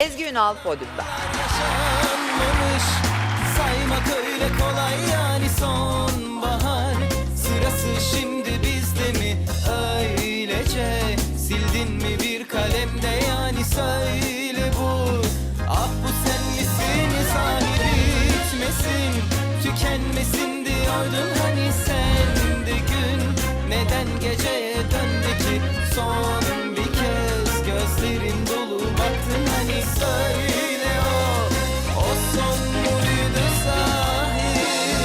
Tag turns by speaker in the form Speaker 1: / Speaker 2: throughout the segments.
Speaker 1: Ezgi Ünal podyumda.
Speaker 2: Yaşanmamış, saymak öyle kolay yani sonbahar. Sırası şimdi bizde mi öylece? Sildin mi bir kalemde yani söyle bu. Ah bu sen misin sahibi bitmesin, tükenmesin diyordun hani sen de gün. Neden geceye döndü ki son bir kez gözlerin dolu baktın hani söyle o son muydu sahi?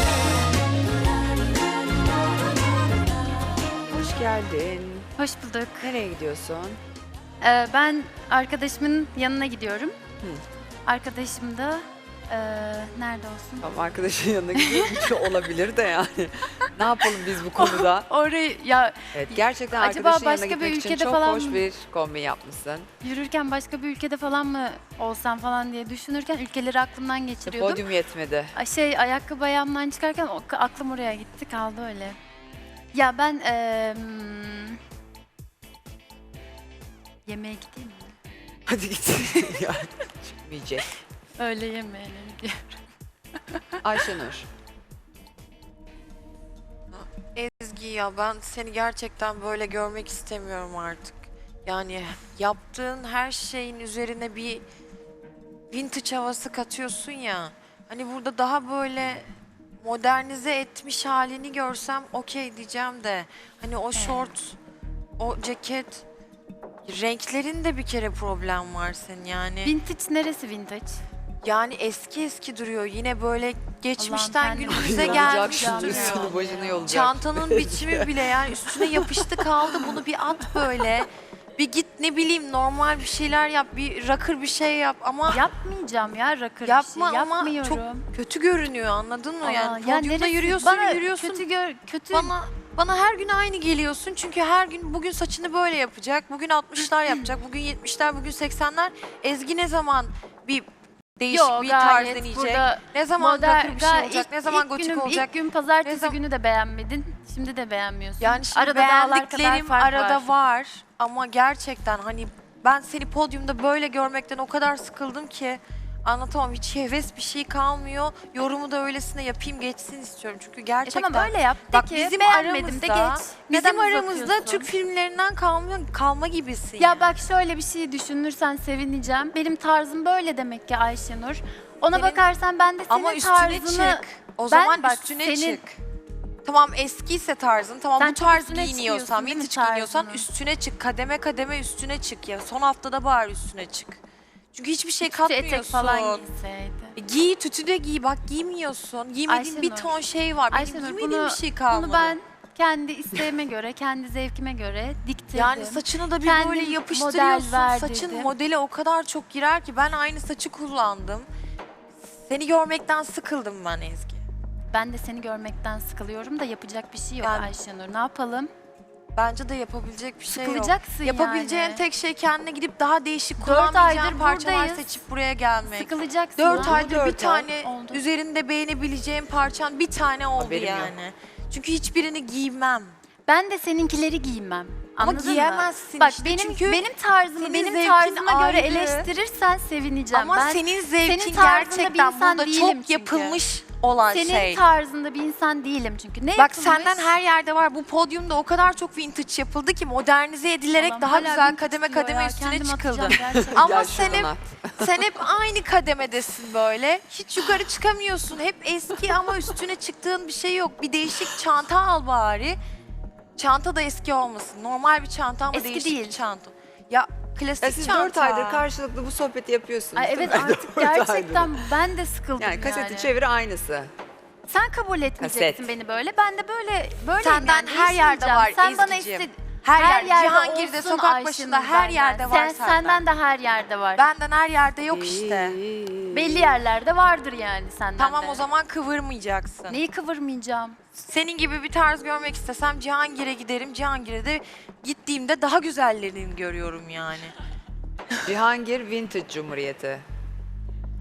Speaker 1: Hoş geldin.
Speaker 3: Hoş bulduk.
Speaker 1: Nereye gidiyorsun?
Speaker 3: Ben arkadaşımın yanına gidiyorum. Arkadaşım da nerede olsun?
Speaker 1: Tamam, arkadaşın yanına gidiyor. Bir şey olabilir de yani. Ne yapalım biz bu konuda?
Speaker 3: Orayı ya
Speaker 1: Evet, gerçekten
Speaker 3: Acaba
Speaker 1: arkadaşın yanına
Speaker 3: başka bir
Speaker 1: gitmek için
Speaker 3: ülkede
Speaker 1: çok
Speaker 3: falan
Speaker 1: hoş
Speaker 3: mı?
Speaker 1: bir kombin yapmışsın.
Speaker 3: yürürken başka bir ülkede falan mı olsam falan diye düşünürken ülkeleri aklımdan geçiriyordum.
Speaker 1: Podyum yetmedi.
Speaker 3: Ayakkabı ayağımdan çıkarken aklım oraya gitti kaldı öyle. Ya ben yemeğe gideyim mi?
Speaker 1: Hadi git. Yani çıkmayacak.
Speaker 3: Öyle yemeğine gidiyorum.
Speaker 1: Ayşenur.
Speaker 4: Ezgi ya ben seni gerçekten böyle görmek istemiyorum artık. Yani yaptığın her şeyin üzerine bir vintage havası katıyorsun ya. Hani burada daha böyle modernize etmiş halini görsem okey diyeceğim de. Hani o şort, o ceket, renklerinde bir kere problem var senin yani.
Speaker 3: Vintage neresi vintage?
Speaker 4: Yani eski eski duruyor. Yine böyle geçmişten
Speaker 3: Allah'ım,
Speaker 4: günümüze
Speaker 3: kendimi
Speaker 1: Yolacak
Speaker 4: gelmiş
Speaker 1: şimdi
Speaker 3: duruyor.
Speaker 1: üstünü başını yolacak.
Speaker 4: Çantanın biçimi bile yani üstüne yapıştı kaldı. Bunu bir at böyle. Bir git ne bileyim normal bir şeyler yap. Bir rakır bir şey yap ama
Speaker 3: Yapmayacağım ya rakır
Speaker 4: yapma
Speaker 3: bir şey.
Speaker 4: ama
Speaker 3: Yapmıyorum.
Speaker 4: çok kötü görünüyor anladın mı? Yani
Speaker 3: ya
Speaker 4: podyumda
Speaker 3: neresi?
Speaker 4: yürüyorsun
Speaker 3: Bana
Speaker 4: yürüyorsun.
Speaker 3: kötü
Speaker 4: Bana her gün aynı geliyorsun. Çünkü her gün bugün saçını böyle yapacak. Bugün 60'lar yapacak. Bugün 70'ler, bugün 80'ler. Ezgi ne zaman bir değişik
Speaker 3: Yok,
Speaker 4: bir tarz
Speaker 3: gayet
Speaker 4: deneyecek?
Speaker 3: burada
Speaker 4: Ne zaman rakır bir şey
Speaker 3: gayet
Speaker 4: olacak? Ne zaman gotik
Speaker 3: günüm,
Speaker 4: olacak?
Speaker 3: İlk gün pazartesi
Speaker 4: Ne zam-
Speaker 3: günü de beğenmedin. Şimdi de beğenmiyorsun.
Speaker 4: Yani şimdi
Speaker 3: Arada dağlar kadar
Speaker 4: beğendiklerim
Speaker 3: fark
Speaker 4: arada
Speaker 3: var.
Speaker 4: var ama gerçekten hani ben seni podyumda böyle görmekten o kadar sıkıldım ki anlatamam. Hiç heves bir şey kalmıyor. Yorumu da öylesine yapayım geçsin istiyorum. Çünkü gerçekten
Speaker 3: Tamam öyle yap. De
Speaker 4: bak
Speaker 3: ki
Speaker 4: bizim
Speaker 3: beğenmedim de
Speaker 4: aramızda
Speaker 3: geç. Neden
Speaker 4: bizim aramızda
Speaker 3: uzatıyorsun?
Speaker 4: Türk filmlerinden kalma gibisin.
Speaker 3: Ya bak şöyle bir şey düşünürsen sevineceğim. Benim tarzım böyle demek ki Ayşenur. Ona
Speaker 4: Senin-
Speaker 3: bakarsan ben de senin
Speaker 4: ama üstüne
Speaker 3: tarzını...
Speaker 4: çık. O
Speaker 3: Ben
Speaker 4: zaman
Speaker 3: bak,
Speaker 4: üstüne
Speaker 3: senin-
Speaker 4: çık. Tamam eskiyse tarzın, tamam
Speaker 3: Sen
Speaker 4: bu
Speaker 3: çok
Speaker 4: tarz
Speaker 3: üstüne
Speaker 4: giyiniyorsan,
Speaker 3: çıkıyorsun değil mi
Speaker 4: vintage giyiniyorsan
Speaker 3: tarzının?
Speaker 4: üstüne çık. Kademe kademe üstüne çık ya. Son haftada bari üstüne çık. Çünkü hiçbir şey
Speaker 3: Tütü
Speaker 4: katmıyorsun.
Speaker 3: etek falan giyseydi.
Speaker 4: Giy, tütü de giy. Bak giymiyorsun. Giymediğin bir
Speaker 3: Ayşenur.
Speaker 4: ton şey var. Benim
Speaker 3: Ayşenur
Speaker 4: giymediğim bir şey kalmadı.
Speaker 3: bunu ben kendi isteğime göre, kendi zevkime göre diktirdim.
Speaker 4: yani saçını da bir
Speaker 3: Kendim
Speaker 4: böyle
Speaker 3: model
Speaker 4: yapıştırıyorsun.
Speaker 3: verdirdim.
Speaker 4: Saçın modele o kadar çok girer ki ben aynı saçı kullandım. Seni görmekten sıkıldım ben Ezgi.
Speaker 3: Ben de seni görmekten sıkılıyorum da yapacak bir şey yok
Speaker 4: Yani-
Speaker 3: Ayşenur. Ne yapalım?
Speaker 4: Bence de yapabilecek bir şey yok.
Speaker 3: Sıkılacaksın
Speaker 4: Yapabileceğin
Speaker 3: yani.
Speaker 4: tek şey kendine gidip daha değişik
Speaker 3: 4
Speaker 4: kullanmayacağın
Speaker 3: aydır
Speaker 4: parçalar
Speaker 3: buradayız.
Speaker 4: seçip buraya gelmek.
Speaker 3: Sıkılacaksın.
Speaker 4: 4
Speaker 3: ha?
Speaker 4: aydır bir
Speaker 1: 4 ay
Speaker 4: tane
Speaker 3: oldu.
Speaker 4: üzerinde beğenebileceğin parçan bir tane oldu
Speaker 1: Haberim yok.
Speaker 4: yani. Çünkü hiçbirini giymem.
Speaker 3: Ben de seninkileri giymem.
Speaker 4: Ama
Speaker 3: Anladın
Speaker 4: giyemezsin
Speaker 3: mı? Bak
Speaker 4: işte
Speaker 3: benim
Speaker 4: çünkü
Speaker 3: benim tarzımı
Speaker 4: senin
Speaker 3: benim
Speaker 4: zevkin
Speaker 3: tarzıma göre
Speaker 4: ayrı.
Speaker 3: eleştirirsen sevineceğim.
Speaker 4: Ama
Speaker 3: ben
Speaker 4: senin zevkin
Speaker 3: senin tarzında bir
Speaker 4: gerçekten
Speaker 3: insan
Speaker 4: burada
Speaker 3: değilim
Speaker 4: çok
Speaker 3: çünkü.
Speaker 4: yapılmış olan
Speaker 3: senin
Speaker 4: şey.
Speaker 3: tarzında bir insan değilim çünkü. Ne
Speaker 4: Bak
Speaker 3: yapılmış?
Speaker 4: senden her yerde var. Bu podyumda o kadar çok vintage yapıldı ki modernize edilerek
Speaker 3: Allah'ım,
Speaker 4: daha
Speaker 3: hala
Speaker 4: güzel
Speaker 3: vintage
Speaker 4: kademe
Speaker 3: diyor
Speaker 4: kademe
Speaker 3: ya,
Speaker 4: üstüne
Speaker 3: kendim
Speaker 4: çıkıldı.
Speaker 3: atacağım gerçekten.
Speaker 4: Ama
Speaker 1: Gel
Speaker 4: sen
Speaker 1: şuradan
Speaker 4: hep,
Speaker 1: at.
Speaker 4: sen hep aynı kademedesin böyle. Hiç yukarı çıkamıyorsun. Hep eski ama üstüne çıktığın bir şey yok. Bir değişik çanta al bari. Çanta da eski olmasın. Normal bir çanta ama
Speaker 3: Eski
Speaker 4: değişik
Speaker 3: değil.
Speaker 4: bir çanta. Ya klasik
Speaker 1: Ya siz
Speaker 4: çanta.
Speaker 1: 4 aydır karşılıklı bu sohbeti yapıyorsunuz.
Speaker 3: Ay
Speaker 1: değil
Speaker 3: evet
Speaker 1: mi?
Speaker 3: artık
Speaker 1: 4 aydır.
Speaker 3: gerçekten ben de sıkıldım
Speaker 1: Yani kaseti çevir aynısı.
Speaker 3: Sen kabul etmeyeceksin
Speaker 1: Kaset.
Speaker 3: beni böyle. Ben de böyle
Speaker 4: Senden
Speaker 3: yani,
Speaker 4: her yerde var
Speaker 3: Sen bana
Speaker 4: Ezgi'ciğim.
Speaker 3: istedi.
Speaker 4: Her yerde, Cihangir'de,
Speaker 3: olsun
Speaker 4: sokak
Speaker 3: Ayşenur
Speaker 4: başında her
Speaker 3: benden.
Speaker 4: yerde var senden.
Speaker 3: Senden de her yerde var.
Speaker 4: Benden her yerde yok işte.
Speaker 3: Belli yerlerde vardır yani senden
Speaker 4: Tamam
Speaker 3: de.
Speaker 4: o zaman kıvırmayacaksın.
Speaker 3: Neyi kıvırmayacağım?
Speaker 4: Senin gibi bir tarz görmek istesem Cihangir'e giderim. Cihangir'e de gittiğimde daha güzellerini görüyorum yani.
Speaker 1: Cihangir Vintage Cumhuriyeti.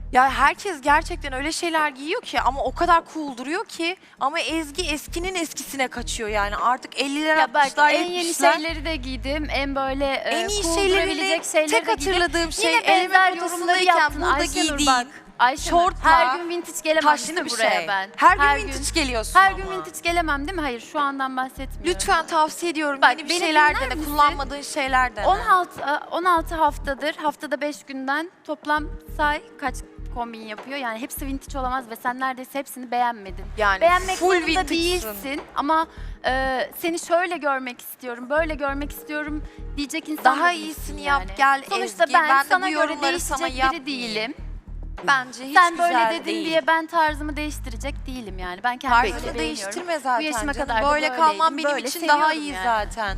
Speaker 4: Ya herkes gerçekten öyle şeyler giyiyor ki ama o kadar cool duruyor ki ama Ezgi eskinin eskisine kaçıyor yani artık 50'ler
Speaker 3: Ya bak
Speaker 4: 60'lar
Speaker 3: en yeni
Speaker 4: 70'ler.
Speaker 3: şeyleri de giydim. En böyle
Speaker 4: En iyi
Speaker 3: cool
Speaker 4: şeylerini
Speaker 3: durabilecek şeyleri
Speaker 4: tek
Speaker 3: de giydim.
Speaker 4: hatırladığım şey
Speaker 3: Yine benzer
Speaker 4: elimin
Speaker 3: yorumları
Speaker 4: ortasındayken
Speaker 3: yaptın
Speaker 4: burada
Speaker 3: Ayşenur
Speaker 4: giydiğin
Speaker 3: bak. Ayşenur,
Speaker 4: şortla
Speaker 3: her gün vintage gelemem değil
Speaker 4: taşlı
Speaker 3: mi
Speaker 4: bir
Speaker 3: buraya
Speaker 4: şey.
Speaker 3: ben?
Speaker 4: Her gün vintage geliyorsun
Speaker 3: Her
Speaker 4: ama.
Speaker 3: gün vintage gelemem değil mi? Hayır şu andan bahsetmiyorum.
Speaker 4: Lütfen tavsiye ediyorum.
Speaker 3: Bak,
Speaker 4: Yeni bir
Speaker 3: beni
Speaker 4: şeyler
Speaker 3: dinler
Speaker 4: dene.
Speaker 3: misin?
Speaker 4: Kullanmadığın şeyler dene.
Speaker 3: 16 haftadır, haftada 5 günden toplam say kaç kombin yapıyor. Yani hepsi vintage olamaz ve sen neredeyse hepsini beğenmedin.
Speaker 4: Yani
Speaker 3: Beğenmek
Speaker 4: full
Speaker 3: zorunda
Speaker 4: vintage'sın.
Speaker 3: değilsin ama seni şöyle görmek istiyorum, böyle görmek istiyorum diyecek insan
Speaker 4: Daha
Speaker 3: da değilsin
Speaker 4: iyisini
Speaker 3: yani.
Speaker 4: yap, gel
Speaker 3: Sonuçta
Speaker 4: Ezgi.
Speaker 3: ben
Speaker 4: Ben de
Speaker 3: sana
Speaker 4: bu
Speaker 3: göre
Speaker 4: yorumları sana
Speaker 3: değişecek biri
Speaker 4: yapmayayım.
Speaker 3: değilim.
Speaker 4: Bence hiç
Speaker 3: Sen
Speaker 4: güzel
Speaker 3: böyle dedin
Speaker 4: değil.
Speaker 3: diye ben tarzımı değiştirecek değilim yani. Ben kendimi
Speaker 4: Tarzını
Speaker 3: böyle beğeniyorum.
Speaker 4: değiştirme zaten
Speaker 3: Bu yaşıma
Speaker 4: canım.
Speaker 3: kadar da
Speaker 4: Böyle
Speaker 3: böyleydim,
Speaker 4: kalman benim
Speaker 3: böyle
Speaker 4: için daha
Speaker 3: seviyorum
Speaker 4: iyi
Speaker 3: yani.
Speaker 4: zaten.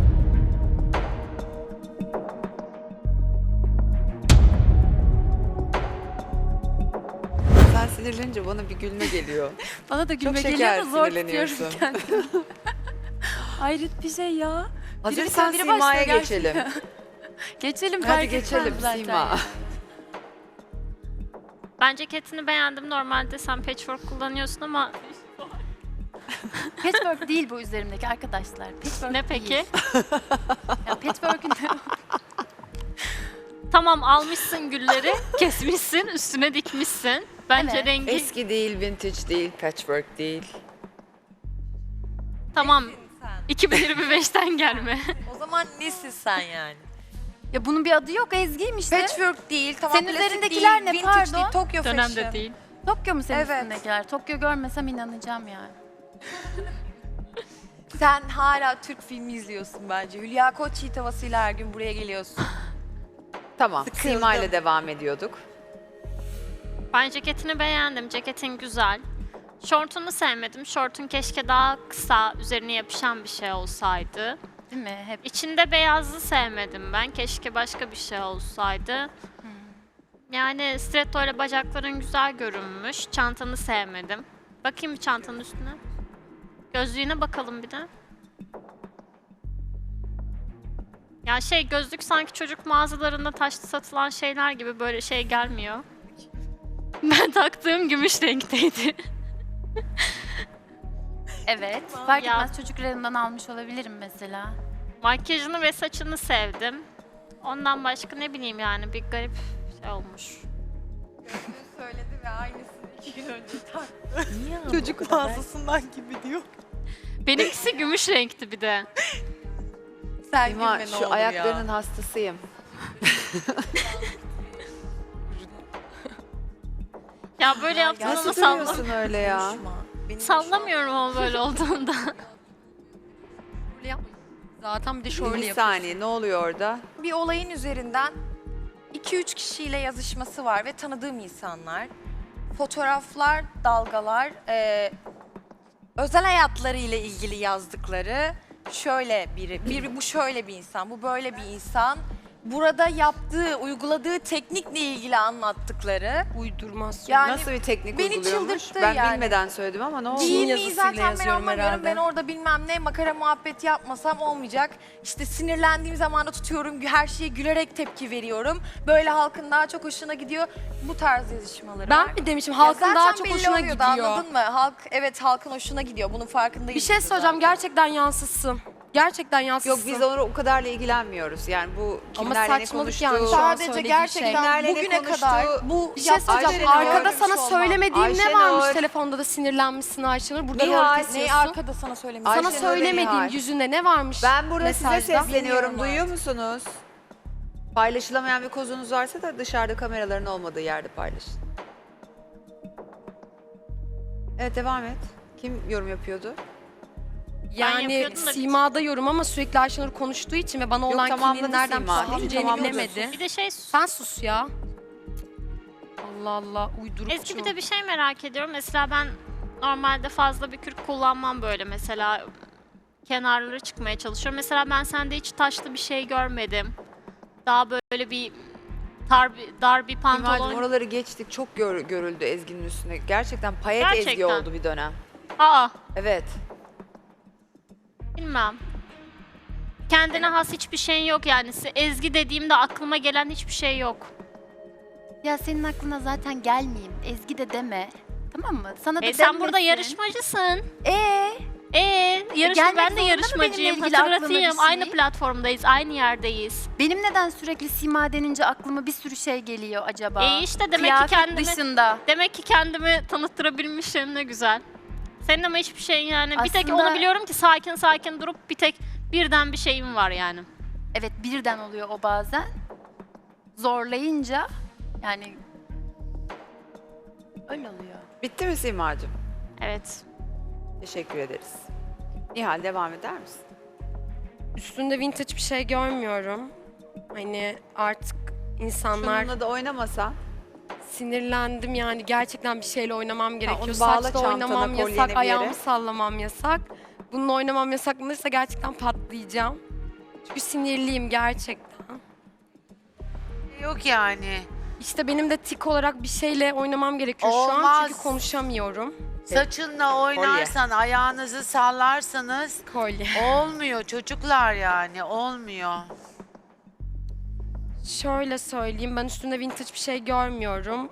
Speaker 1: Sen sinirlenince bana bir gülme geliyor.
Speaker 3: Bana da gülme
Speaker 1: şeker
Speaker 3: geliyor da zor
Speaker 1: sinirleniyorsun.
Speaker 3: tutuyorum kendimi. Hayret bir şey ya.
Speaker 1: Hazırsan
Speaker 3: biri
Speaker 1: Sima'ya
Speaker 3: başlıyor
Speaker 1: geçelim.
Speaker 3: Geçelim
Speaker 1: Hadi
Speaker 3: fark
Speaker 1: geçelim
Speaker 3: etmez zaten.
Speaker 1: Sima.
Speaker 5: Ben ceketini beğendim. Normalde sen patchwork kullanıyorsun ama
Speaker 3: Patchwork değil bu üzerimdeki arkadaşlar. Patchwork
Speaker 5: ne peki?
Speaker 3: değil. Ya patchwork'ün
Speaker 5: Tamam almışsın gülleri, kesmişsin, üstüne dikmişsin. Bence
Speaker 3: Evet.
Speaker 5: rengi
Speaker 1: Eski değil, vintage değil, patchwork değil.
Speaker 5: tamam.
Speaker 4: Sen.
Speaker 5: 2025'ten gelme.
Speaker 4: O zaman nesin sen yani?
Speaker 3: ya bunun bir adı yok Ezgi'yim işte.
Speaker 4: Patchwork değil, tamam
Speaker 3: Senin
Speaker 4: klasik
Speaker 3: üzerindekiler
Speaker 4: değil,
Speaker 3: ne,
Speaker 4: vintage
Speaker 3: pardon?
Speaker 4: değil, Tokyo
Speaker 5: Dönemde
Speaker 4: Fashion.
Speaker 5: değil.
Speaker 3: Tokyo mu senin
Speaker 4: Evet.
Speaker 3: üstündekiler? Tokyo görmesem inanacağım yani.
Speaker 4: Sen hala Türk filmi izliyorsun bence. Hülya Koçyiğit havasıyla her gün buraya geliyorsun.
Speaker 1: Tamam,
Speaker 4: Sıkıldım.
Speaker 1: Sima ile devam ediyorduk.
Speaker 5: Ben ceketini beğendim. Ceketin güzel. Şortunu sevmedim. Şortun keşke daha kısa, üzerine yapışan bir şey olsaydı.
Speaker 3: Değil mi? Hep
Speaker 5: İçinde beyazlı sevmedim ben. Keşke başka bir şey olsaydı. Yani stiletto ile bacakların güzel görünmüş. Çantanı sevmedim. Bakayım bir çantanın üstüne. Gözlüğüne bakalım bir de. Ya şey gözlük sanki çocuk mağazalarında taşlı satılan şeyler gibi böyle şey gelmiyor. Ben taktığım gümüş renkteydi.
Speaker 3: evet. Fark
Speaker 5: Ya.
Speaker 3: etmez çocuklarımdan almış olabilirim mesela.
Speaker 5: Makyajını ve saçını sevdim. Ondan başka ne bileyim yani bir garip şey olmuş.
Speaker 4: Söyledi ve aynısını 2 gün önce taktı.
Speaker 3: Niye ama
Speaker 4: Çocuk mağazasından gibi diyor.
Speaker 5: Benimkisi gümüş renkti bir de.
Speaker 4: Sen
Speaker 1: Sima,
Speaker 4: gülme ne
Speaker 1: şu
Speaker 4: olur
Speaker 1: ayaklarının
Speaker 4: ya.
Speaker 1: hastasıyım.
Speaker 5: Ya böyle yaptığında
Speaker 1: Nasıl
Speaker 5: sallam
Speaker 1: duruyorsun öyle ya?
Speaker 4: Konuşma. Benim
Speaker 5: sallamıyorum ama böyle olduğunda.
Speaker 6: Zaten bir de şöyle
Speaker 1: Bir
Speaker 6: yapıyor.
Speaker 1: saniye, ne oluyor orada?
Speaker 4: bir olayın üzerinden 2-3 kişiyle yazışması var ve tanıdığım insanlar. Fotoğraflar, dalgalar, özel hayatlarıyla ilgili yazdıkları şöyle biri bu şöyle bir insan, bu böyle bir insan. Burada yaptığı, uyguladığı teknikle ilgili anlattıkları.
Speaker 6: Uydurmasyon.
Speaker 4: Yani
Speaker 1: Nasıl bir teknik
Speaker 4: beni
Speaker 1: uyguluyormuş?
Speaker 4: çıldırttı
Speaker 1: Ben
Speaker 4: yani.
Speaker 1: bilmeden söyledim ama ne oldu?
Speaker 6: Değil.
Speaker 4: Giyinmeyi
Speaker 6: yazısıyla
Speaker 4: zaten ben
Speaker 6: yazıyorum
Speaker 4: anlamıyorum.
Speaker 6: herhalde.
Speaker 4: Ben orada bilmem ne makara muhabbet yapmasam olmayacak. İşte sinirlendiğim zaman da tutuyorum. Her şeye gülerek tepki veriyorum. Böyle halkın daha çok hoşuna gidiyor. Bu tarz yazışmaları var.
Speaker 6: Ben mi demişim
Speaker 4: Ya
Speaker 6: halkın
Speaker 4: zaten
Speaker 6: daha çok
Speaker 4: belli
Speaker 6: hoşuna
Speaker 4: oluyordu,
Speaker 6: gidiyor.
Speaker 4: Anladın mı? Halkın hoşuna gidiyor. Bunun farkındayım.
Speaker 6: Bir şey söyleyeceğim gerçekten yansıtsın. Gerçekten
Speaker 1: Yok
Speaker 6: yansıtsın.
Speaker 1: biz onu o kadarla ilgilenmiyoruz. Yani bu
Speaker 6: Ama
Speaker 1: kimlerle ne
Speaker 6: saçmalık
Speaker 1: konuştu?
Speaker 6: yani şu an
Speaker 4: Sadece
Speaker 6: söylediği
Speaker 4: gerçekten
Speaker 1: Kimlerle ne
Speaker 4: bugüne
Speaker 1: konuştu?
Speaker 4: kadar bu
Speaker 6: Bir şey söyleyeceğim.
Speaker 1: Ayşenur,
Speaker 6: Arkada
Speaker 4: görmüş
Speaker 6: sana
Speaker 4: olmam.
Speaker 6: söylemediğim ne
Speaker 1: Ayşenur.
Speaker 6: varmış telefonda da sinirlenmişsin Ayşenur. Burada rol
Speaker 1: Nihal,
Speaker 6: kesiyorsun.
Speaker 4: Neyi arkada sana söylemiş?
Speaker 1: Ayşenur
Speaker 6: Sana
Speaker 1: ve
Speaker 6: söylemediğim
Speaker 1: Nihal.
Speaker 6: yüzünde ne varmış
Speaker 1: Ben burada size
Speaker 6: mesajda?
Speaker 1: sesleniyorum.
Speaker 4: Bilmiyorum
Speaker 1: Duyuyor musunuz? Paylaşılamayan bir kozunuz varsa da dışarıda kameraların olmadığı yerde paylaşın. Evet devam et. Kim yorum yapıyordu?
Speaker 6: Yani
Speaker 5: yapıyordum da-
Speaker 6: Sima'da yorum ama sürekli Ayşenur konuştuğu için ve bana
Speaker 1: Yok,
Speaker 6: olan
Speaker 1: tamamladı
Speaker 6: kimliğin nereden
Speaker 1: Sima.
Speaker 6: püskürteceğini
Speaker 1: Tamamladı.
Speaker 6: bilemedi.
Speaker 5: Bir de şey
Speaker 6: Sen sus ya. Allah Allah uydurukçu.
Speaker 5: Ezgi bir de bir şey merak ediyorum. Mesela ben normalde fazla bir kürk kullanmam böyle mesela kenarları çıkmaya çalışıyorum. Mesela ben sende hiç taşlı bir şey görmedim. Daha böyle bir dar bir
Speaker 1: Simacığım
Speaker 5: pantolon.
Speaker 1: oraları geçtik. Çok görüldü Ezgi'nin üstüne. Gerçekten payet Ezgi
Speaker 5: Gerçekten.
Speaker 1: oldu bir dönem.
Speaker 5: Aa,
Speaker 1: Evet.
Speaker 5: bilmem. Kendine has hiçbir şeyin yok yani. Ezgi dediğimde aklıma gelen hiçbir şey yok.
Speaker 3: Ya senin aklına zaten gelmeyeyim. Ezgi de deme. Tamam mı? Sana da
Speaker 5: Sen burada
Speaker 3: denmesin.
Speaker 5: yarışmacısın.
Speaker 3: Gelmek
Speaker 5: Ben de
Speaker 3: zorunda mı benimle
Speaker 5: yarışmacıyım.
Speaker 3: ilgili aklına
Speaker 5: Hatırlatayım.
Speaker 3: bir şey?
Speaker 5: Aynı platformdayız, aynı yerdeyiz.
Speaker 3: Benim neden sürekli Sima denince aklıma bir sürü şey geliyor acaba?
Speaker 5: İşte demek
Speaker 3: Kıyafet
Speaker 5: ki kendimi
Speaker 3: dışında.
Speaker 5: demek ki kendimi tanıttırabilmişim, ne güzel. Senin ama hiçbir şeyin yani bir tek
Speaker 3: Aslında-
Speaker 5: onu biliyorum ki sakin sakin durup bir tek birden bir şeyim var yani.
Speaker 3: Evet, birden oluyor o bazen. Zorlayınca yani öyle oluyor.
Speaker 1: Bitti mi Simacığım?
Speaker 5: Evet.
Speaker 1: Teşekkür ederiz. Nihal devam eder misin?
Speaker 7: Üstünde vintage bir şey görmüyorum. Hani artık insanlar
Speaker 1: Şununla da oynamasan.
Speaker 7: sinirlendim yani gerçekten bir şeyle oynamam gerekiyor.
Speaker 1: onu bağla
Speaker 7: Saçla
Speaker 1: çantana,
Speaker 7: oynamam
Speaker 1: kolyeni bir
Speaker 7: yasak,
Speaker 1: yere.
Speaker 7: ayağımı sallamam yasak. Bununla oynamam yasaklanırsa gerçekten patlayacağım. Çünkü sinirliyim gerçekten.
Speaker 8: Yok yani.
Speaker 7: İşte benim de tik olarak bir şeyle oynamam gerekiyor şu an
Speaker 8: Olmaz.
Speaker 7: çünkü konuşamıyorum.
Speaker 8: Saçınla oynarsan, ayağınızı sallarsanız
Speaker 7: Kolye.
Speaker 8: olmuyor çocuklar yani olmuyor.
Speaker 7: Şöyle söyleyeyim, ben üstünde vintage bir şey görmüyorum.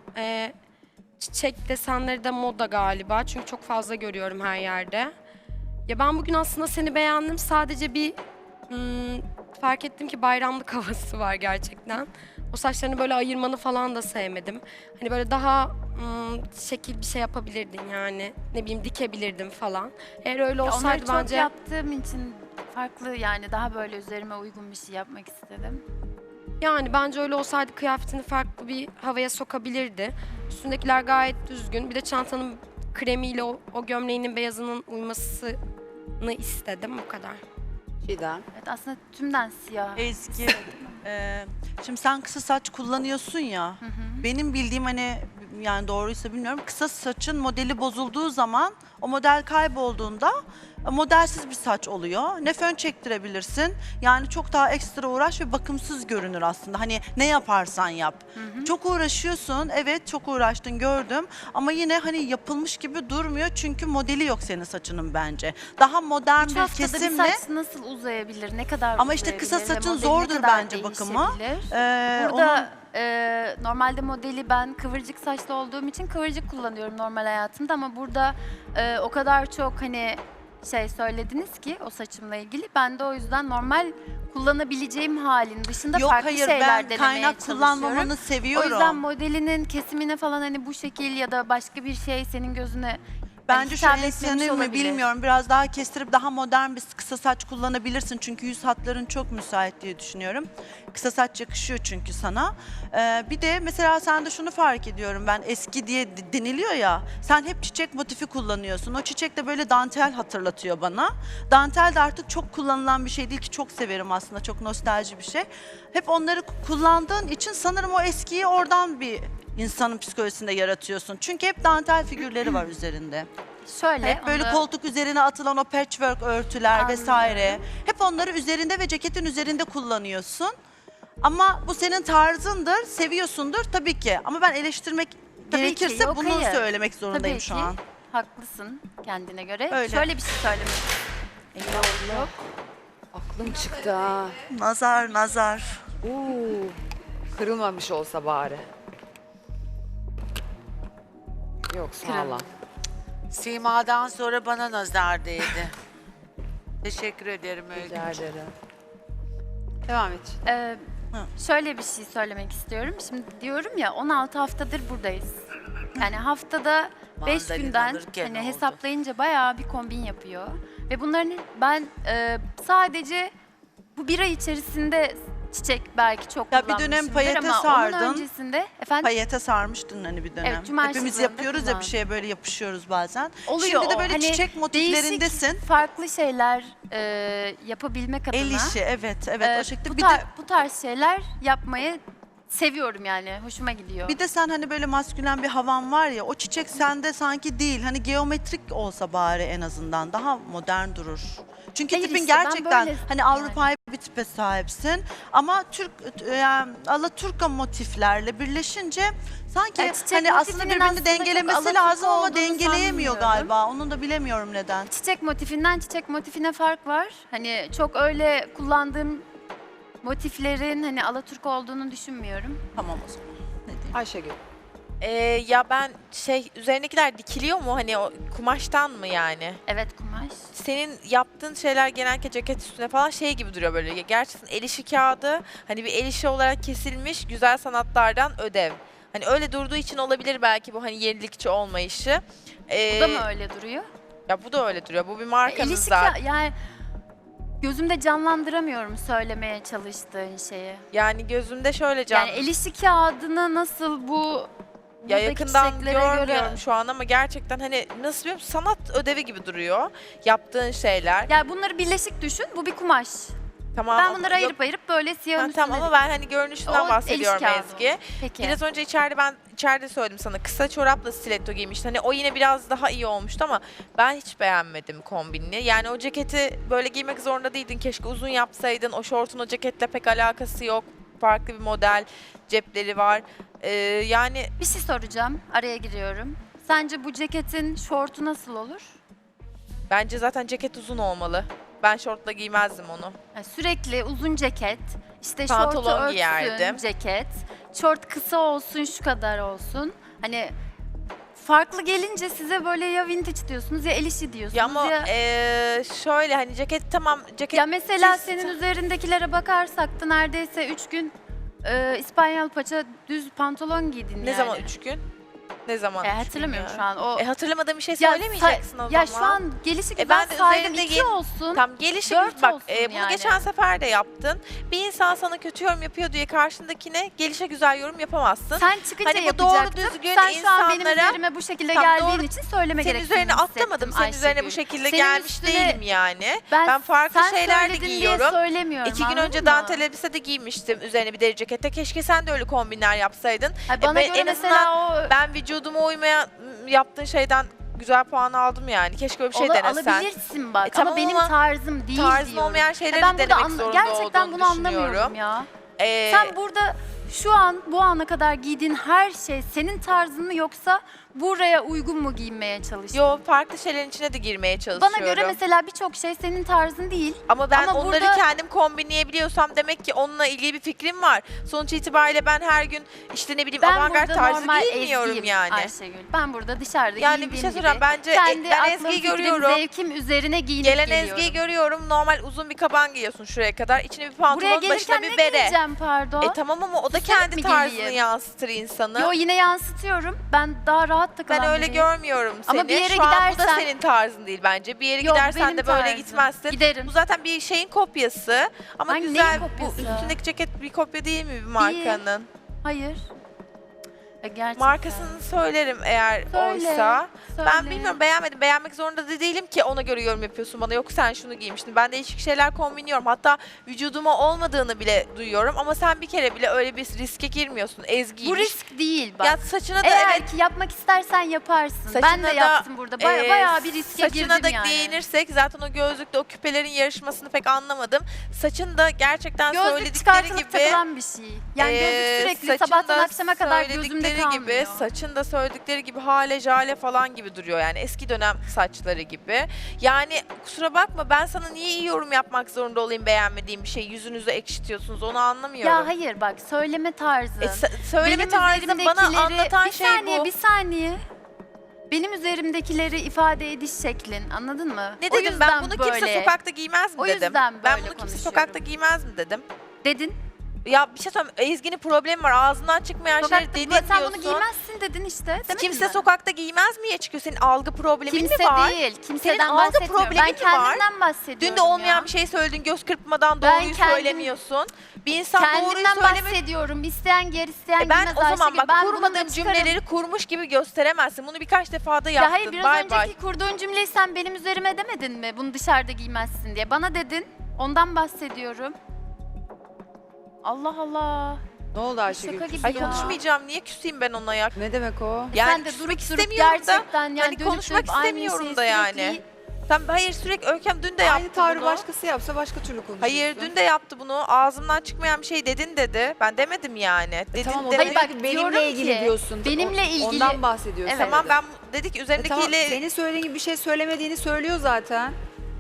Speaker 7: Çiçek desenleri de moda galiba çünkü çok fazla görüyorum her yerde. Ya ben bugün aslında seni beğendim, sadece bir fark ettim ki bayramlık havası var gerçekten. O saçlarını böyle ayırmanı falan da sevmedim. Hani böyle daha şekil bir şey yapabilirdin yani. Ne bileyim dikebilirdin falan. Eğer öyle
Speaker 3: Onları
Speaker 7: olsaydı
Speaker 3: çok
Speaker 7: bence...
Speaker 3: yaptığım için farklı yani daha böyle üzerime uygun bir şey yapmak istedim.
Speaker 7: Yani bence öyle olsaydı kıyafetini farklı bir havaya sokabilirdi. Üstündekiler gayet düzgün. Bir de çantanın kremiyle o gömleğinin beyazının uymasını istedim. Bu kadar.
Speaker 1: Çiğdem.
Speaker 3: Evet, aslında tümden siyah.
Speaker 9: Ezgi, şimdi sen kısa saç kullanıyorsun ya. Benim bildiğim hani yani doğruysa bilmiyorum. Kısa saçın modeli bozulduğu zaman o model kaybolduğunda modelsiz bir saç oluyor. Ne fön çektirebilirsin. Yani çok daha ekstra uğraş ve bakımsız görünür aslında. Hani ne yaparsan yap. Çok uğraşıyorsun. Evet çok uğraştın gördüm. Ama yine hani yapılmış gibi durmuyor. Çünkü modeli yok senin saçının bence. Daha modern
Speaker 3: 3
Speaker 9: bir
Speaker 3: haftada bir
Speaker 9: kesimle.
Speaker 3: saç nasıl uzayabilir? Ne kadar
Speaker 9: Ama işte kısa
Speaker 3: uzayabilir ve
Speaker 9: saçın
Speaker 3: modeli
Speaker 9: zordur
Speaker 3: ne kadar
Speaker 9: bence bakımı.
Speaker 3: değişebilir?
Speaker 9: Onun-
Speaker 3: Burada normalde modeli ben kıvırcık saçlı olduğum için kıvırcık kullanıyorum normal hayatımda ama burada o kadar çok hani şey söylediniz ki o saçımla ilgili. Ben de o yüzden normal kullanabileceğim halin dışında
Speaker 9: Yok
Speaker 3: farklı
Speaker 9: hayır
Speaker 3: şeyler
Speaker 9: ben
Speaker 3: denemeye
Speaker 9: kaynak
Speaker 3: çalışıyorum.
Speaker 9: kullanmamanı
Speaker 3: O
Speaker 9: seviyorum.
Speaker 3: yüzden modelinin kesimine falan hani bu şekil ya da başka bir şey senin gözüne
Speaker 9: Bence şu
Speaker 3: hitap etmemiş
Speaker 9: ensenin mi
Speaker 3: olabilir.
Speaker 9: bilmiyorum. Biraz daha kestirip daha modern bir kısa saç kullanabilirsin. Çünkü yüz hatların çok müsait diye düşünüyorum. Kısa saç yakışıyor çünkü sana. Bir de mesela sende şunu fark ediyorum ben eski diye deniliyor ya. Sen hep çiçek motifi kullanıyorsun. O çiçek de böyle dantel hatırlatıyor bana. Dantel de artık çok kullanılan bir şey değil ki çok severim aslında. Çok nostalji bir şey. Hep onları kullandığın için sanırım o eskiyi oradan bir insanın psikolojisinde yaratıyorsun. Çünkü hep dantel figürleri var üzerinde.
Speaker 3: şöyle
Speaker 9: Hep böyle
Speaker 3: onu-
Speaker 9: koltuk üzerine atılan o patchwork örtüler
Speaker 3: Anlıyorum.
Speaker 9: vesaire. Hep onları üzerinde ve ceketin üzerinde kullanıyorsun. Ama bu senin tarzındır, seviyorsundur tabii ki. Ama ben eleştirmek
Speaker 3: Tabii
Speaker 9: gerekirse
Speaker 3: ki, yok,
Speaker 9: bunu
Speaker 3: hayır.
Speaker 9: söylemek zorundayım
Speaker 3: Tabii
Speaker 9: şu
Speaker 3: ki
Speaker 9: an.
Speaker 3: haklısın kendine göre.
Speaker 9: Öyle.
Speaker 3: Şöyle bir şey söylemek
Speaker 1: Aklım çıktı ha.
Speaker 9: Nazar, nazar.
Speaker 1: Kırılmamış olsa bari. Yok sağlam.
Speaker 8: Sima'dan sonra bana nazar değdi. Teşekkür ederim
Speaker 1: Rica
Speaker 8: Öykü.
Speaker 1: ederim. Devam et.
Speaker 3: Şöyle bir şey söylemek istiyorum. Şimdi diyorum ya 16 haftadır buradayız. Yani haftada 5
Speaker 8: Mandalina
Speaker 3: günden
Speaker 8: alırken
Speaker 3: hani
Speaker 8: oldu.
Speaker 3: hesaplayınca bayağı bir kombin yapıyor. Ve bunların ben sadece bu bir ay içerisinde çiçek belki çok
Speaker 9: Ya bir dönem
Speaker 3: kullanmışımdır
Speaker 9: payete
Speaker 3: ama
Speaker 9: sardın.
Speaker 3: onun öncesinde efendim
Speaker 9: Payete sarmıştın hani bir dönem.
Speaker 3: Evet, cuma
Speaker 9: Hepimiz
Speaker 3: şıklarında
Speaker 9: yapıyoruz ya bir
Speaker 3: kullandım.
Speaker 9: şeye böyle yapışıyoruz bazen.
Speaker 3: oluyor
Speaker 9: Şimdi de
Speaker 3: o.
Speaker 9: böyle
Speaker 3: Hani
Speaker 9: çiçek motiflerindesin.
Speaker 3: değişik farklı şeyler yapabilmek adına.
Speaker 9: El işi evet evet o şekilde.
Speaker 3: Bu tarz şeyler yapmayı seviyorum yani. Hoşuma gidiyor.
Speaker 9: Bir de sen hani böyle maskülen bir havan var ya o çiçek sende sanki değil. Hani geometrik olsa bari en azından daha modern durur. Çünkü
Speaker 3: Hayır
Speaker 9: tipin
Speaker 3: işte, ben
Speaker 9: gerçekten
Speaker 3: böyle
Speaker 9: hani Avrupa'yı bir tipe sahipsin. Ama Türk yani Alaturka motiflerle birleşince sanki
Speaker 3: Ya çiçek
Speaker 9: hani aslında
Speaker 3: motifinin
Speaker 9: birbirini
Speaker 3: aslında çok
Speaker 9: dengelemesi
Speaker 3: Alaturka
Speaker 9: lazım ama
Speaker 3: olduğunu
Speaker 9: dengeleyemiyor
Speaker 3: sanmıyorum.
Speaker 9: galiba. Onu da bilemiyorum neden.
Speaker 3: Çiçek motifinden çiçek motifine fark var. Hani çok öyle kullandığım motiflerin hani Alaturka olduğunu düşünmüyorum.
Speaker 9: Tamam o zaman. Ne diyeyim?
Speaker 1: Ayşegül.
Speaker 6: Ya ben üzerindekiler dikiliyor mu hani o kumaştan mı yani?
Speaker 3: Evet kumaş.
Speaker 6: Senin yaptığın şeyler genellikle ceket üstüne falan şey gibi duruyor böyle. Gerçekten el işi kağıdı hani bir el işi olarak kesilmiş güzel sanatlardan ödev. Hani öyle durduğu için olabilir belki bu hani yenilikçi olmayışı.
Speaker 3: Bu da mı öyle duruyor?
Speaker 6: Ya bu da öyle duruyor. Bu bir
Speaker 3: El
Speaker 6: markanın
Speaker 3: işi
Speaker 6: zaten.
Speaker 3: yani gözümde canlandıramıyorum söylemeye çalıştığın şeyi.
Speaker 6: Yani gözümde şöyle can.
Speaker 3: Yani el işi kağıdını nasıl bu
Speaker 6: Ya
Speaker 3: buradaki
Speaker 6: yakından
Speaker 3: çiçeklere
Speaker 6: görmüyorum
Speaker 3: göre...
Speaker 6: şu an ama gerçekten hani nasıl bir sanat ödevi gibi duruyor yaptığın şeyler.
Speaker 3: Yani bunları birleşik düşün. Bu bir kumaş.
Speaker 6: Tamam.
Speaker 3: Ben
Speaker 6: ama
Speaker 3: bunları
Speaker 6: yok-
Speaker 3: ayırıp böyle siyahın
Speaker 6: Ha,
Speaker 3: üstüne...
Speaker 6: tamam ama ben hani görünüşünden
Speaker 3: O el
Speaker 6: bahsediyorum
Speaker 3: işi kağıdı
Speaker 6: Ezgi.
Speaker 3: o. Peki.
Speaker 6: Biraz önce içeride söyledim sana kısa çorapla stiletto giymiştin. Hani o yine biraz daha iyi olmuştu ama ben hiç beğenmedim kombinini. Yani o ceketi böyle giymek zorunda değildin. Keşke uzun yapsaydın. O şortun o ceketle pek alakası yok. Farklı bir model, cepleri var. Yani
Speaker 3: Bir şey soracağım. Araya giriyorum. Sence bu ceketin şortu nasıl olur?
Speaker 6: bence zaten ceket uzun olmalı. Ben şortla giymezdim onu.
Speaker 3: Yani sürekli uzun ceket, işte
Speaker 6: Pantolon
Speaker 3: şortu örtsün
Speaker 6: giyerdim.
Speaker 3: ceket, şort kısa olsun şu kadar olsun. Hani farklı gelince size böyle ya vintage diyorsunuz ya el işi diyorsunuz
Speaker 6: Ya ama şöyle hani ceket tamam ceket
Speaker 3: Ya mesela
Speaker 6: çiz-
Speaker 3: senin üzerindekilere bakarsak da neredeyse 3 gün İspanyol paça düz pantolon giydin
Speaker 6: ne
Speaker 3: yani.
Speaker 6: zaman 3 gün? Ne zaman? üç gün
Speaker 3: Hatırlamıyorum
Speaker 6: ya?
Speaker 3: şu an. O
Speaker 6: Hatırlamadığım bir şey
Speaker 3: Ya
Speaker 6: söylemeyeceksin o
Speaker 3: Ya
Speaker 6: zaman.
Speaker 3: şu an gelişi güzel
Speaker 6: ben de
Speaker 3: saydım
Speaker 6: üzerinde
Speaker 3: 2 olsun.
Speaker 6: Tam gelişi
Speaker 3: 4
Speaker 6: bak
Speaker 3: olsun
Speaker 6: bunu
Speaker 3: yani.
Speaker 6: geçen sefer de yaptın. Bir insan sana kötü yorum yapıyor diye karşındakine gelişe güzel yorum yapamazsın.
Speaker 3: Sen çıkınca
Speaker 6: Hani bu doğru
Speaker 3: yapacaktın.
Speaker 6: düzgün
Speaker 3: Sen şu an benim
Speaker 6: insanlara-
Speaker 3: üzerime bu şekilde
Speaker 6: Tam
Speaker 3: geldiğin
Speaker 6: doğru-
Speaker 3: için söyleme
Speaker 6: Senin
Speaker 3: gerektiğini
Speaker 6: üzerine atlamadım. Senin
Speaker 3: hissettim
Speaker 6: üzerine bu
Speaker 3: Ayşegül.
Speaker 6: şekilde
Speaker 3: Senin
Speaker 6: gelmiş
Speaker 3: üstüne-
Speaker 6: değilim yani. Ben farklı
Speaker 3: sen
Speaker 6: şeyler de
Speaker 3: söyledin diye
Speaker 6: giyiyorum.
Speaker 3: söylemiyorum.
Speaker 6: 2 gün
Speaker 3: anladın
Speaker 6: önce
Speaker 3: mı?
Speaker 6: dantel elbise de giymiştim üzerine bir deri cekette. Keşke sen de öyle kombinler yapsaydın.
Speaker 3: Hayır, bana
Speaker 6: ben
Speaker 3: göre
Speaker 6: en
Speaker 3: mesela o
Speaker 6: Ben vücuduma uymayan yaptığın şeyden güzel puan aldım yani. Keşke öyle bir şey denesen.
Speaker 3: alabilirsin bak
Speaker 6: tamam
Speaker 3: ama benim
Speaker 6: ama
Speaker 3: tarzım değil
Speaker 6: Tarzın
Speaker 3: diyorum.
Speaker 6: olmayan şeyleri
Speaker 3: ben burada
Speaker 6: denemek zorunda
Speaker 3: gerçekten
Speaker 6: olduğunu
Speaker 3: bunu anlamıyorum
Speaker 6: düşünüyorum.
Speaker 3: ya.
Speaker 6: Ee,
Speaker 3: Sen burada şu an bu ana kadar giydiğin her şey senin tarzın mı yoksa buraya uygun mu giyinmeye çalışıyorsun?
Speaker 6: Yo farklı şeylerin içine de girmeye çalışıyorum.
Speaker 3: Bana göre mesela birçok şey senin tarzın değil.
Speaker 6: Ama ben
Speaker 3: ama
Speaker 6: onları
Speaker 3: burada-
Speaker 6: kendim kombinleyebiliyorsam demek ki onunla ilgili bir fikrim var. Sonuç itibariyle ben her gün işte ne bileyim
Speaker 3: Ben
Speaker 6: avantgard
Speaker 3: burada
Speaker 6: tarzı
Speaker 3: normal
Speaker 6: giymiyorum
Speaker 3: Ezgi'yim
Speaker 6: yani.
Speaker 3: Ayşegül. Ben burada dışarıda
Speaker 6: Yani bir
Speaker 3: giyindiğim
Speaker 6: şey söyleyeceğim.
Speaker 3: gibi
Speaker 6: Bence
Speaker 3: kendi
Speaker 6: ben
Speaker 3: aklım,
Speaker 6: Ezgi'yi
Speaker 3: fikrim,
Speaker 6: görüyorum.
Speaker 3: zevkim üzerine giyinip
Speaker 6: Gelen
Speaker 3: geliyorum.
Speaker 6: Ezgi'yi görüyorum. Normal uzun bir kaban giyiyorsun şuraya kadar. İçine bir
Speaker 3: Buraya
Speaker 6: pantolon, başına
Speaker 3: gelirken
Speaker 6: bir
Speaker 3: ne
Speaker 6: bere.
Speaker 3: giyeceğim pardon?
Speaker 6: Tamam ama o da
Speaker 3: Süsleyip
Speaker 6: kendi
Speaker 3: mi
Speaker 6: tarzını
Speaker 3: geleyim?
Speaker 6: yansıtır insanı.
Speaker 3: Yo yine yansıtıyorum. Ben daha rahat takılan
Speaker 6: Ben öyle
Speaker 3: biriyim.
Speaker 6: görmüyorum seni.
Speaker 3: Ama bir yere
Speaker 6: Şu an bu da
Speaker 3: gidersen-
Speaker 6: senin tarzın değil bence. Bir yere
Speaker 3: Yok,
Speaker 6: gidersen
Speaker 3: benim
Speaker 6: de böyle
Speaker 3: tarzım.
Speaker 6: gitmezsin.
Speaker 3: Giderim.
Speaker 6: Bu zaten bir şeyin kopyası. Ama
Speaker 3: Hangi
Speaker 6: güzel.
Speaker 3: neyin
Speaker 6: Bu
Speaker 3: kopyası?
Speaker 6: üstündeki ceket bir kopya değil mi bir markanın?
Speaker 3: Hayır. Gerçekten.
Speaker 6: Markasını söylerim eğer
Speaker 3: Söyle,
Speaker 6: oysa. Ben
Speaker 3: söyle.
Speaker 6: bilmiyorum beğenmedim. Beğenmek zorunda da değilim ki ona göre yorum yapıyorsun bana. Yok sen şunu giymiştin. Ben değişik şeyler kombiniyorum. Hatta vücuduma olmadığını bile duyuyorum. Ama sen bir kere bile öyle bir riske girmiyorsun. Ezgiymiş.
Speaker 3: Bu risk değil bak.
Speaker 6: Ya saçına da
Speaker 3: Eğer
Speaker 6: evet.
Speaker 3: ki yapmak istersen yaparsın. Ben
Speaker 6: Saçına
Speaker 3: de
Speaker 6: da,
Speaker 3: yaptım burada. Bayağı bir riske
Speaker 6: saçına
Speaker 3: girdim
Speaker 6: da
Speaker 3: yani.
Speaker 6: değinirsek zaten o gözlükle o küpelerin yarışmasını pek anlamadım. Saçın da gerçekten
Speaker 3: Gözlük
Speaker 6: söyledikleri
Speaker 3: çıkartılıp
Speaker 6: gibi
Speaker 3: takılan bir şey. Yani gözlük sürekli
Speaker 6: saçın
Speaker 3: sabahtan
Speaker 6: da
Speaker 3: akşama kadar gözümde
Speaker 6: söyledikleri
Speaker 3: kalmıyor.
Speaker 6: gibi, saçın da söyledikleri gibi hale jale falan gibi duruyor yani eski dönem saçları gibi. Yani kusura bakma ben sana niye iyi yorum yapmak zorunda olayım beğenmediğim bir şey yüzünüzü ekşitiyorsunuz onu anlamıyorum.
Speaker 3: Ya hayır bak söyleme tarzın.
Speaker 6: Söyleme
Speaker 3: Benim
Speaker 6: tarzın bana
Speaker 3: üzerimdekileri-
Speaker 6: anlatan
Speaker 3: bir
Speaker 6: şey
Speaker 3: saniye,
Speaker 6: bu.
Speaker 3: Bir saniye. Benim üzerimdekileri ifade ediş şeklin anladın mı?
Speaker 6: Ne
Speaker 3: O
Speaker 6: dedim ben
Speaker 3: yüzden
Speaker 6: bunu
Speaker 3: böyle
Speaker 6: kimse sokakta giymez mi
Speaker 3: O
Speaker 6: dedim.
Speaker 3: yüzden
Speaker 6: Ben
Speaker 3: böyle
Speaker 6: bunu kimse
Speaker 3: konuşuyorum.
Speaker 6: sokakta giymez mi dedim.
Speaker 3: dedin.
Speaker 6: Ya bir şey söyleyeyim Ezgi'nin problemi var ağzından çıkmayan şeyleri
Speaker 3: Sokakta,
Speaker 6: dedin
Speaker 3: sen
Speaker 6: diyorsun.
Speaker 3: bunu giymezsin dedin işte. Demedin
Speaker 6: Kimse
Speaker 3: mi?
Speaker 6: sokakta giymez miye çıkıyor? Senin algı problemin
Speaker 3: Kimse
Speaker 6: mi var?
Speaker 3: değil. Kimseden
Speaker 6: algı
Speaker 3: bahsetmiyorum.
Speaker 6: problemin
Speaker 3: Ben
Speaker 6: mi var?
Speaker 3: kendimden bahsediyorum
Speaker 6: Dün de olmayan
Speaker 3: ya.
Speaker 6: bir şey söyledin göz kırpmadan
Speaker 3: Ben
Speaker 6: doğruyu
Speaker 3: kendim-
Speaker 6: söylemiyorsun. Bir insan doğruyu
Speaker 3: Kendimden
Speaker 6: söylemek...
Speaker 3: bahsediyorum. İsteyen yer, isteyen
Speaker 6: Ben
Speaker 3: giymez
Speaker 6: o zaman
Speaker 3: Ayşegül.
Speaker 6: bak
Speaker 3: Ben bunu
Speaker 6: kurmadığım
Speaker 3: da çıkarım.
Speaker 6: cümleleri kurmuş gibi gösteremezsin. Bunu birkaç defa da yaptın.
Speaker 3: Ya hayır biraz
Speaker 6: Bay
Speaker 3: önceki
Speaker 6: bay.
Speaker 3: kurduğun cümleyi sen benim üzerime demedin mi? Bunu dışarıda giymezsin diye. Bana dedin. Ondan bahsediyorum. Allah Allah.
Speaker 1: Ne oldu Ayşegül?
Speaker 3: Şaka gibi
Speaker 6: Ay
Speaker 3: ya.
Speaker 6: konuşmayacağım. Niye küseyim ben ona ya?
Speaker 1: Ne demek o?
Speaker 6: Yani
Speaker 3: Sen de
Speaker 6: küsmek
Speaker 3: durup
Speaker 6: istemiyorum da,
Speaker 3: gerçekten yani
Speaker 6: hani
Speaker 3: dönüp
Speaker 6: konuşmak
Speaker 3: dönüp aynı
Speaker 6: istemiyorum
Speaker 3: şeyi
Speaker 6: da yani.
Speaker 3: sürekli-
Speaker 6: Sen hayır sürekli Öyküm dün de yaptı
Speaker 1: Aynı tavrı
Speaker 6: bunu.
Speaker 1: başkası yapsa başka türlü konuşursun.
Speaker 6: Hayır dün de yaptı bunu. Ağzımdan çıkmayan bir şey dedin dedi. Ben demedim yani. Dedin
Speaker 1: Tamam o
Speaker 6: demedi.
Speaker 3: Hayır, bak,
Speaker 1: benimle
Speaker 3: diyorum
Speaker 1: ilgili
Speaker 3: ki,
Speaker 1: diyorsun.
Speaker 3: benimle ilgili-
Speaker 1: Ondan bahsediyorsun.
Speaker 3: Evet.
Speaker 6: Tamam ben dedik
Speaker 1: Tamam,
Speaker 6: üzerindekiyle
Speaker 1: senin söylediğin gibi bir şey söylemediğini söylüyor zaten.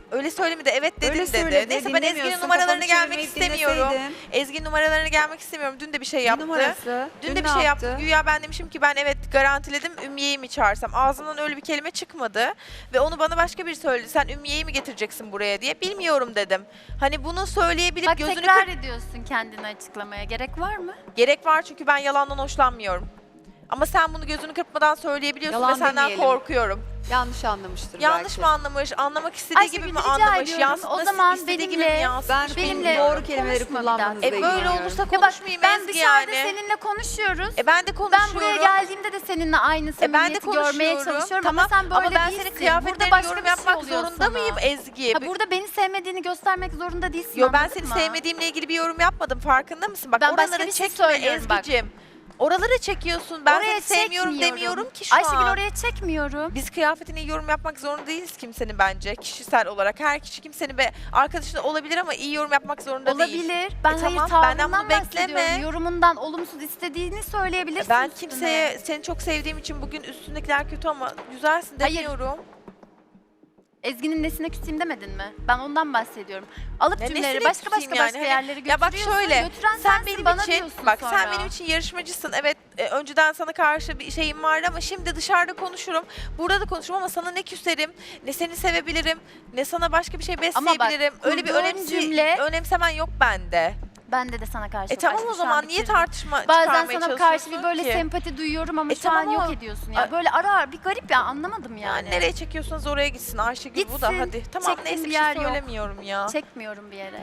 Speaker 6: öyle söylemedi. Evet dedin
Speaker 1: Öyle
Speaker 6: dedi.
Speaker 1: söyledi,
Speaker 6: Neyse ben Ezgi'nin
Speaker 1: dinlemiyorsun,
Speaker 6: numaralarına
Speaker 1: kafanı
Speaker 6: gelmek
Speaker 1: çevirmeyip
Speaker 6: istemiyorum.
Speaker 1: dinleseydin.
Speaker 6: Ezgi'nin numaralarına gelmek istemiyorum. Dün de bir şey
Speaker 1: Ne
Speaker 6: yaptı.
Speaker 1: numarası?
Speaker 6: Dün de
Speaker 1: ne
Speaker 6: bir şey yaptı.
Speaker 1: yaptı?
Speaker 6: Güya ben demişim ki ben evet garantiledim Ümmiye'yi mi çağırsam. Ağzından öyle bir kelime çıkmadı. Ve onu bana başka biri söyledi. Sen Ümmiye'yi mi getireceksin buraya diye. Bilmiyorum dedim. Hani bunu söyleyebilip
Speaker 3: Bak
Speaker 6: gözünü
Speaker 3: tekrar ediyorsun kendini açıklamaya. Gerek var mı?
Speaker 6: Gerek var çünkü ben yalandan hoşlanmıyorum. Ama sen bunu gözünü kırpmadan söyleyebiliyorsun
Speaker 1: Yalan
Speaker 6: ve senden
Speaker 1: demeyelim.
Speaker 6: korkuyorum.
Speaker 1: Yanlış anlamıştır
Speaker 6: Yanlış
Speaker 1: belki.
Speaker 6: mı anlamış? Anlamak istediği
Speaker 3: Ayşegül,
Speaker 6: gibi mi
Speaker 3: rica
Speaker 6: anlamış?
Speaker 3: ediyorum.
Speaker 6: Yansıtmak
Speaker 3: O zaman
Speaker 6: istediği gibi mi
Speaker 3: benimle-
Speaker 6: yansıtmış?
Speaker 1: Ben
Speaker 3: Benimle
Speaker 1: doğru kelimeleri
Speaker 3: konuşma bir
Speaker 1: kullanmanızla
Speaker 3: daha.
Speaker 6: Böyle
Speaker 1: ilgileniyorum.
Speaker 6: olursa
Speaker 3: Ya bak
Speaker 6: konuşmayayım
Speaker 3: ben
Speaker 6: Ezgi
Speaker 3: dışarıda
Speaker 6: yani.
Speaker 3: seninle konuşuyoruz.
Speaker 6: Ben de
Speaker 3: Ben
Speaker 6: konuşuyorum.
Speaker 3: buraya geldiğimde de seninle aynı
Speaker 6: Ben de
Speaker 3: samimiyeti görmeye
Speaker 6: konuşuyorum.
Speaker 3: çalışıyorum
Speaker 6: Tamam.
Speaker 3: ama sen böyle
Speaker 6: Ama ben
Speaker 3: değilsin.
Speaker 6: senin
Speaker 3: Burada
Speaker 6: kıyafetlerine
Speaker 3: başka
Speaker 6: yorum
Speaker 3: bir şey
Speaker 6: yapmak
Speaker 3: oluyor
Speaker 6: zorunda
Speaker 3: sana.
Speaker 6: mıyım Ezgi?
Speaker 3: Ha, burada beni sevmediğini göstermek zorunda değilsin.
Speaker 6: Yo ben
Speaker 3: anladın
Speaker 6: seni
Speaker 3: mı?
Speaker 6: sevmediğimle ilgili bir yorum yapmadım. Farkında mısın? Bak
Speaker 3: Ben başka
Speaker 6: oralara
Speaker 3: bir şey
Speaker 6: çekme
Speaker 3: söylüyorum bak.
Speaker 6: Ezgi'cim. Oralara çekiyorsun. Ben
Speaker 3: Oraya
Speaker 6: seni sevmiyorum
Speaker 3: çekmiyorum.
Speaker 6: demiyorum ki şu
Speaker 3: Ayşegül
Speaker 6: an.
Speaker 3: oraya çekmiyorum.
Speaker 6: Biz kıyafetine yorum yapmak zorunda değiliz kimsenin bence. Kişisel olarak her kişi kimsenin arkadaşın olabilir ama iyi yorum yapmak zorunda değil.
Speaker 3: Olabilir. Ben hayır
Speaker 6: tamam,
Speaker 3: tavrından
Speaker 6: benden bunu bekleme.
Speaker 3: bahsediyorum. Yorumundan olumsuz istediğini söyleyebilirsin
Speaker 6: Ben
Speaker 3: üstüne.
Speaker 6: kimseye seni çok sevdiğim için bugün üstündekiler kötü ama güzelsin
Speaker 3: Hayır.
Speaker 6: demiyorum.
Speaker 3: Ezgi'nin nesine küseyim demedin mi? Ben ondan bahsediyorum. Alıp
Speaker 6: Ya
Speaker 3: cümleleri
Speaker 6: nesine
Speaker 3: başka
Speaker 6: küseyim
Speaker 3: başka
Speaker 6: yani?
Speaker 3: başka
Speaker 6: Hani-
Speaker 3: yerlere
Speaker 6: Ya bak
Speaker 3: götürüyorsun.
Speaker 6: şöyle,
Speaker 3: Götüren
Speaker 6: sen
Speaker 3: sensin,
Speaker 6: benim
Speaker 3: bana
Speaker 6: için
Speaker 3: diyorsun
Speaker 6: bak
Speaker 3: sonra.
Speaker 6: sen benim için yarışmacısın. Evet önceden sana karşı bir şeyim vardı ama şimdi dışarıda konuşurum. Burada da konuşurum ama sana ne küserim, ne seni sevebilirim, ne sana başka bir şey
Speaker 3: Ama bak,
Speaker 6: besleyebilirim. Öyle bir
Speaker 3: kurduğun cümle-
Speaker 6: önemsemen yok bende.
Speaker 3: Bende de sana karşı.
Speaker 6: Tamam
Speaker 3: Aşkım,
Speaker 6: o
Speaker 3: şu an
Speaker 6: zaman niye
Speaker 3: bitirdim.
Speaker 6: tartışma
Speaker 3: Bazen
Speaker 6: çıkarmaya
Speaker 3: sana karşı
Speaker 6: çalışıyorsun
Speaker 3: bir böyle
Speaker 6: ki?
Speaker 3: sempati duyuyorum ama şu
Speaker 6: tamam
Speaker 3: an yok
Speaker 6: ama-
Speaker 3: ediyorsun ya.
Speaker 6: Ay-
Speaker 3: Böyle ara ara bir garip ya anlamadım yani.
Speaker 6: Yani nereye çekiyorsanız oraya gitsin Ayşegül bu da
Speaker 3: Gitsin,
Speaker 6: hadi. Tamam
Speaker 3: çektiğim
Speaker 6: neyse
Speaker 3: bir
Speaker 6: bir şey
Speaker 3: yer yok.
Speaker 6: söylemiyorum ya.
Speaker 3: Çekmiyorum bir yere.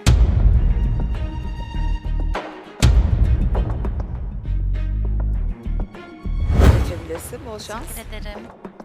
Speaker 1: Geçebilirsin. Bol şans.
Speaker 3: Teşekkür ederim.